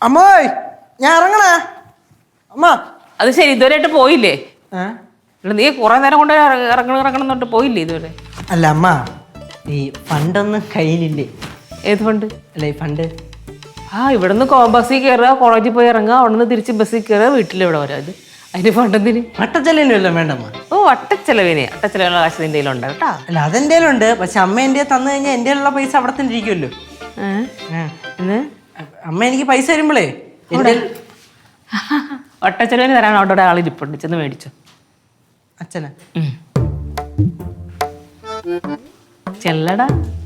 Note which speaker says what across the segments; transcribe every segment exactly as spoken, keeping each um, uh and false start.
Speaker 1: അമ്മോയ് ഞാൻ ഇറങ്ങണേ അമ്മ.
Speaker 2: അത് ശരി, ഇതുവരെയായിട്ട് പോയില്ലേ? നീ കുറെ നേരം കൊണ്ട് ഇറങ്ങണം ഇറങ്ങണം എന്നിട്ട് പോയില്ലേ ഇതുവരെ?
Speaker 1: അല്ല അമ്മ, ഈ ഫണ്ടൊന്നും കയ്യിലില്ലേ?
Speaker 2: ഏത് ഫണ്ട്?
Speaker 1: അല്ല ഈ ഫണ്ട്.
Speaker 2: ആ ഇവിടുന്ന് ബസ്സിൽ കയറുക, കോളേജിൽ പോയി ഇറങ്ങുക, അവിടെ നിന്ന് തിരിച്ച് ബസ്സിൽ കയറുക, വീട്ടിലിവിടെ വരാം. അത് അതിന് ഫണ്ടെന്തിന്?
Speaker 1: വട്ടച്ചെലവിനല്ലോ വേണ്ടമ്മ.
Speaker 2: ഓ അട്ടച്ചെലവിന്, അട്ടച്ചെലവിനുള്ള കാശ് നിന്റെ കയ്യിലുണ്ട് കേട്ടാ.
Speaker 1: അല്ല അതെന്റെ ഉണ്ട്, പക്ഷെ അമ്മ എൻ്റെ തന്നു കഴിഞ്ഞാൽ എൻ്റെ ഉള്ള പൈസ അവിടെ തന്നെ ഇരിക്കുമല്ലോ. അമ്മ എനിക്ക് പൈസ തരുമ്പോളേ
Speaker 2: ഒട്ടച്ചെലവിന് തരാൻ അവിടെ ആളിരിപ്പുണ്ട്, ചെന്ന് മേടിച്ചോ.
Speaker 1: അച്ഛനാ?
Speaker 2: ചെല്ലടാ.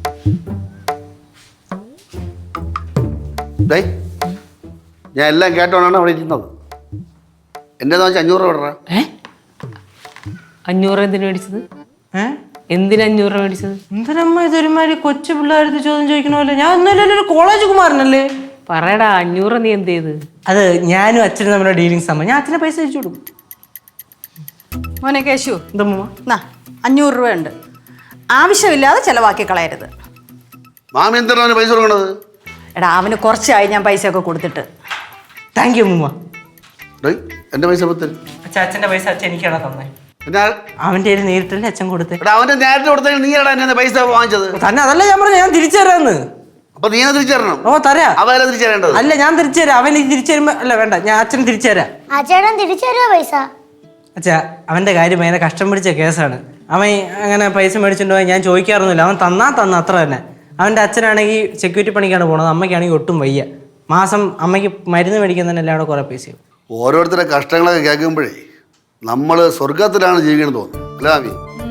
Speaker 3: ഞാൻ എല്ലാം കേട്ടോണ്ടാണ് അവിടെ ഇരിക്കുന്നത്. എൻ്റെ അഞ്ഞൂറ് രൂപ വിടറ.
Speaker 2: ഏ അഞ്ഞൂറ് എന്തിനു മേടിച്ചത്?
Speaker 1: ഏഹ്
Speaker 2: എന്തിനാ അഞ്ഞൂറ് രൂപ മേടിച്ചത്?
Speaker 1: എന്തിനമ്മ ഇതൊരുമാതിരി കൊച്ചു പിള്ളേർക്ക് ചോദ്യം ചോദിക്കണമല്ലോ. ഞാൻ ഒന്നുമില്ലല്ലോ, കോളേജ് കുമാരനല്ലേ.
Speaker 2: പറയടാ, അഞ്ഞൂറ് നീ എന്ത് ചെയ്ത്?
Speaker 1: അത് ഞാനും അച്ഛനും തമ്മിലുള്ള ഡീലിങ്സ് ആകുമ്പോൾ ഞാൻ അച്ഛനെ പൈസ അയച്ചു കൊടുക്കും.
Speaker 4: മോനെ കേശു,
Speaker 1: എന്താ
Speaker 4: അഞ്ഞൂറ് രൂപ ഉണ്ട്, ആവശ്യമില്ലാതെ ചെലവാക്കി കളയരുത്.
Speaker 3: മാമി എന്താണ് പൈസ കൊടുക്കണത്?
Speaker 4: എടാ അവന് കുറച്ചായി ഞാൻ പൈസ ഒക്കെ കൊടുത്തിട്ട്.
Speaker 1: താങ്ക് യു അമ്മൂമ്മ.
Speaker 3: എന്റെ പൈസ പത്ത്
Speaker 1: അച്ഛൻ അച്ഛൻ്റെ പൈസ അച്ഛൻ എനിക്കാണ് തന്നെ. അവൻ്റെ കയ്യിൽ നേരിട്ടല്ലേ അച്ഛൻ കൊടുത്തേ.
Speaker 3: അവന്റെ നേരത്തെ കൊടുത്ത നീ എന്നെ പൈസ വാങ്ങിച്ചത്
Speaker 1: തന്നെ. അതല്ല ഞാൻ പറഞ്ഞു, ഞാൻ തിരിച്ചു തരാന്ന്.
Speaker 3: അപ്പൊ നീ തിരിച്ചു തരണം.
Speaker 1: ഓ തരാ.
Speaker 3: അവരെ തിരിച്ചു തരേണ്ടത്
Speaker 1: അല്ല, ഞാൻ തിരിച്ചു തരാം. അവൻ തിരിച്ചു തരുമ്പോ അല്ല വേണ്ട, ഞാൻ അച്ഛൻ തിരിച്ചു തരാം.
Speaker 5: അച്ഛൻ തിരിച്ചു തരുമോ പൈസ?
Speaker 1: അച്ഛാ അവന്റെ കാര്യം ഭയങ്കര കഷ്ടം പിടിച്ച കേസാണ്. അവൻ അങ്ങനെ പൈസ മേടിച്ചിട്ടുണ്ടോ ഞാൻ ചോദിക്കാറൊന്നുമില്ല. അവൻ തന്നാ തന്ന അത്ര തന്നെ. അവന്റെ അച്ഛനാണെങ്കിൽ സെക്യൂരിറ്റി പണിക്കാണ് പോണത്, അമ്മയ്ക്കാണെങ്കിൽ ഒട്ടും വയ്യ. മാസം അമ്മയ്ക്ക് മരുന്ന് മേടിക്കാൻ തന്നെ എല്ലാവരും കുറെ പൈസയും.
Speaker 3: ഓരോരുത്തരുടെ കഷ്ടങ്ങളൊക്കെ കേൾക്കുമ്പോഴേ നമ്മള് സ്വർഗത്തിലാണ് ജീവിക്കണം തോന്നുന്നു അല്ലേ മാമി?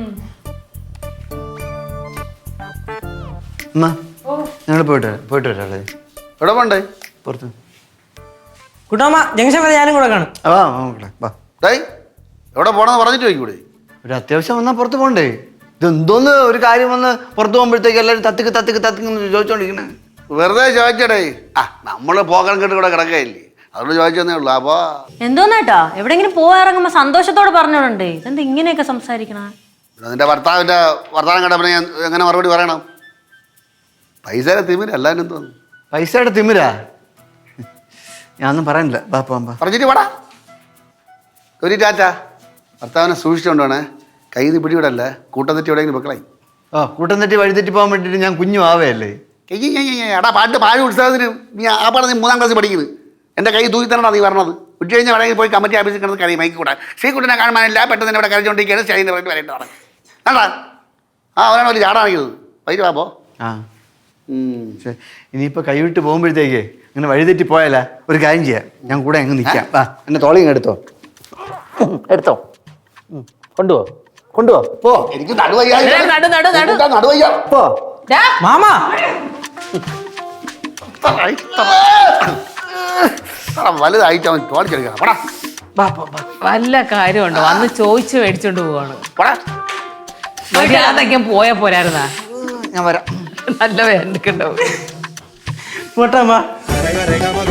Speaker 6: ഞങ്ങൾ പോയിട്ട് പോയിട്ട് വരാല്ലേ?
Speaker 3: എവിടെ പോണ്ടേ?
Speaker 6: പുറത്ത്
Speaker 1: കുട്ടമ്മ ജംഗ്ഷൻ വരെ ഞാനും കൂടെ കാണും.
Speaker 6: ആ വാ.
Speaker 3: ഡേയ് എവിടെ പോണെന്ന് പറഞ്ഞിട്ട് ചോദിക്കൂടെ?
Speaker 6: ഒരു അത്യാവശ്യം വന്നാൽ പുറത്ത് പോകണ്ടേ? ഇതെന്തോന്ന് ഒരു കാര്യം വന്ന് പുറത്ത് പോകുമ്പോഴത്തേക്ക് എല്ലാവരും തത്തിക്ക് തത്തിക്ക് തത്തിക്ക് ചോദിച്ചോണ്ടിരിക്കണേ.
Speaker 3: വെറുതെ ചോദിക്കടേ. ആ നമ്മള് പോകാൻ കേട്ട് ഇവിടെ കിടക്കയില്ലേ, അതുകൊണ്ട് ചോദിച്ചതന്നേ ഉള്ളു. അപ്പൊ
Speaker 7: എന്തോന്നേട്ടാ എവിടെങ്കിലും പോവാ ഇറങ്ങുമ്പോ സന്തോഷത്തോടെ പറഞ്ഞോണ്ടേ, ഇതെന്താ ഇങ്ങനെയൊക്കെ സംസാരിക്കണ?
Speaker 3: നിന്റെ ഭർത്താവിന്റെ വർത്താനം കേട്ടപ്പോ ഞാൻ എങ്ങനെ മറുപടി പറയണം? പൈസയുടെ തിമിര അല്ലാനും തോന്നുന്നു.
Speaker 6: പൈസയുടെ തിമിരാ? ഞാനൊന്നും പറയാനില്ല. ബാ പോവാം.
Speaker 3: പറഞ്ഞിട്ട് പാടാ ഒരു ടാറ്റ. ഭർത്താവിനെ സൂക്ഷിച്ചുകൊണ്ടാണ്, കൈ നീ പിടിവിടല്ല, കൂട്ടം തെറ്റി എവിടെയെങ്കിലും വെക്കളായി.
Speaker 6: ആ കൂട്ടം തെറ്റി വഴി തെറ്റി പോകാൻ വേണ്ടിയിട്ട് ഞാൻ കുഞ്ഞു ആവയല്ലേ?
Speaker 3: എടാ പാട്ട് പാഴ് ഉത്സവത്തിന് നീ ആ പാടെ നീ മൂന്നാം ക്ലാസ് പഠിക്കുന്നത്. എൻ്റെ കൈ തൂക്കി തരണടാ നീ പറഞ്ഞത്. ഉച്ച കഴിഞ്ഞാൽ എവിടെയെങ്കിലും പോയി കമ്മിറ്റി ഓഫീസിൽ കിടന്ന് കറി മൈക്ക് കൂടാ. ശ്രീകുട്ടനെ കാണാനില്ല, പെട്ടെന്ന് ഇവിടെ കരച്ചുകൊണ്ടിരിക്കുകയാണ്. സ്റ്റൈലിന് വേണ്ടി വരേണ്ടതാണ്. കണ്ടാ ആ അവനാണ് ഒരു ചാടാണിക്കുന്നത്. വൈകിട്ട് വാപ്പോ.
Speaker 6: ആ ഇനിയിപ്പോൾ കൈവിട്ട് പോകുമ്പോഴത്തേക്ക് ഇങ്ങനെ വഴിതെറ്റി പോയാലാ ഒരു കാര്യം ചെയ്യാം, ഞാൻ കൂടെ അങ്ങ് നിൽക്കാം. ആ എന്നെ തോളിങ് എടുത്തോ എടുത്തോ കൊണ്ടുപോ കൊണ്ടുപോ പോ.
Speaker 3: എനിക്ക് നടുവയ്യ
Speaker 6: പോ
Speaker 1: മാമാ.
Speaker 3: വലുതായിട്ട് അവൻ തോളിച്ചെടുക്കണം. പടാ
Speaker 2: വല്ല കാര്യമുണ്ടോ? വന്ന് ചോദിച്ച് മേടിച്ചോണ്ട് പോവാണ്. മര്യാദയ്ക്ക് പോയാ പോരായിരുന്നാ?
Speaker 6: ഞാൻ വരാം.
Speaker 2: നല്ല വേണ്ടിട്ടുണ്ടാവും.
Speaker 1: പോട്ടെ അമ്മ.